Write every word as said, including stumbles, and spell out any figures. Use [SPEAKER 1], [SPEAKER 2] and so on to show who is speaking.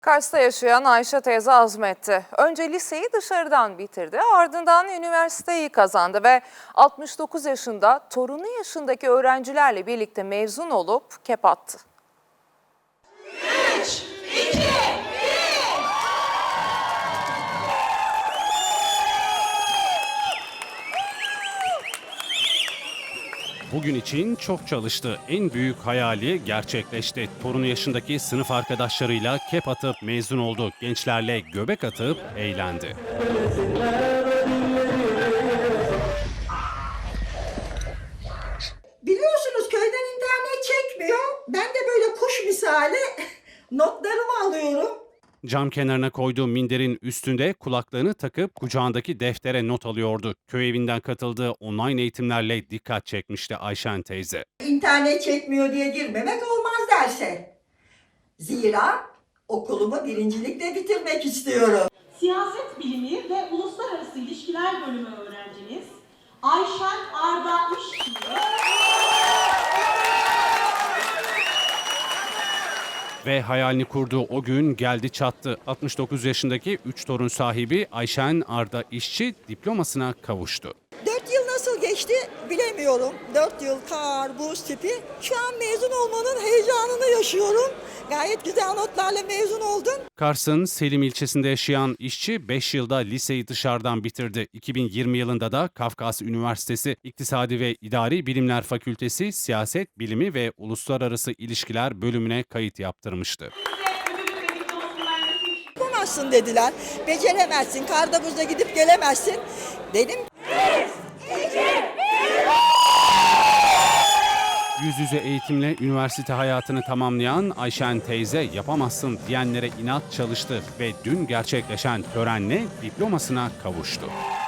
[SPEAKER 1] Kars'ta yaşayan Ayşe teyze azmetti. Önce liseyi dışarıdan bitirdi, ardından üniversiteyi kazandı ve altmış dokuz yaşında torunu yaşındaki öğrencilerle birlikte mezun olup kep attı.
[SPEAKER 2] Bugün için çok çalıştı. En büyük hayali gerçekleşti. Torunu yaşındaki sınıf arkadaşlarıyla kep atıp mezun oldu. Gençlerle göbek atıp eğlendi.
[SPEAKER 3] Biliyorsunuz köyden internet çekmiyor. Ben de böyle kuş misali notlarımı alıyorum.
[SPEAKER 2] Cam kenarına koyduğu minderin üstünde kulaklığını takıp kucağındaki deftere not alıyordu. Köy evinden katıldığı online eğitimlerle dikkat çekmişti Ayşen teyze.
[SPEAKER 3] İnternet çekmiyor diye girmemek olmaz derse. Zira okulumu birincilikle bitirmek istiyorum.
[SPEAKER 4] Siyaset Bilimi ve Uluslararası İlişkiler Bölümü öğrenciniz Ayşen Arda İşçi.
[SPEAKER 2] Ve hayalini kurduğu o gün geldi çattı. altmış dokuz yaşındaki üç torun sahibi Ayşen Arda İşçi diplomasına kavuştu.
[SPEAKER 3] Dört yıl nasıl geçti bilemiyorum. Dört yıl kar, buz tipi. Şu an mezun olmanın heyecanını yaşıyorum. Gayet güzel notlarla mezun oldum.
[SPEAKER 2] Kars'ın Selim ilçesinde yaşayan işçi beş yılda liseyi dışarıdan bitirdi. iki bin yirmi yılında da Kafkas Üniversitesi İktisadi ve İdari Bilimler Fakültesi Siyaset Bilimi ve Uluslararası İlişkiler bölümüne kayıt yaptırmıştı.
[SPEAKER 3] Yapamazsın dediler. Beceremezsin, karda buzda gidip gelemezsin. Dedim
[SPEAKER 2] Yüz yüze eğitimle üniversite hayatını tamamlayan Ayşen teyze yapamazsın diyenlere inat çalıştı ve dün gerçekleşen törenle diplomasına kavuştu.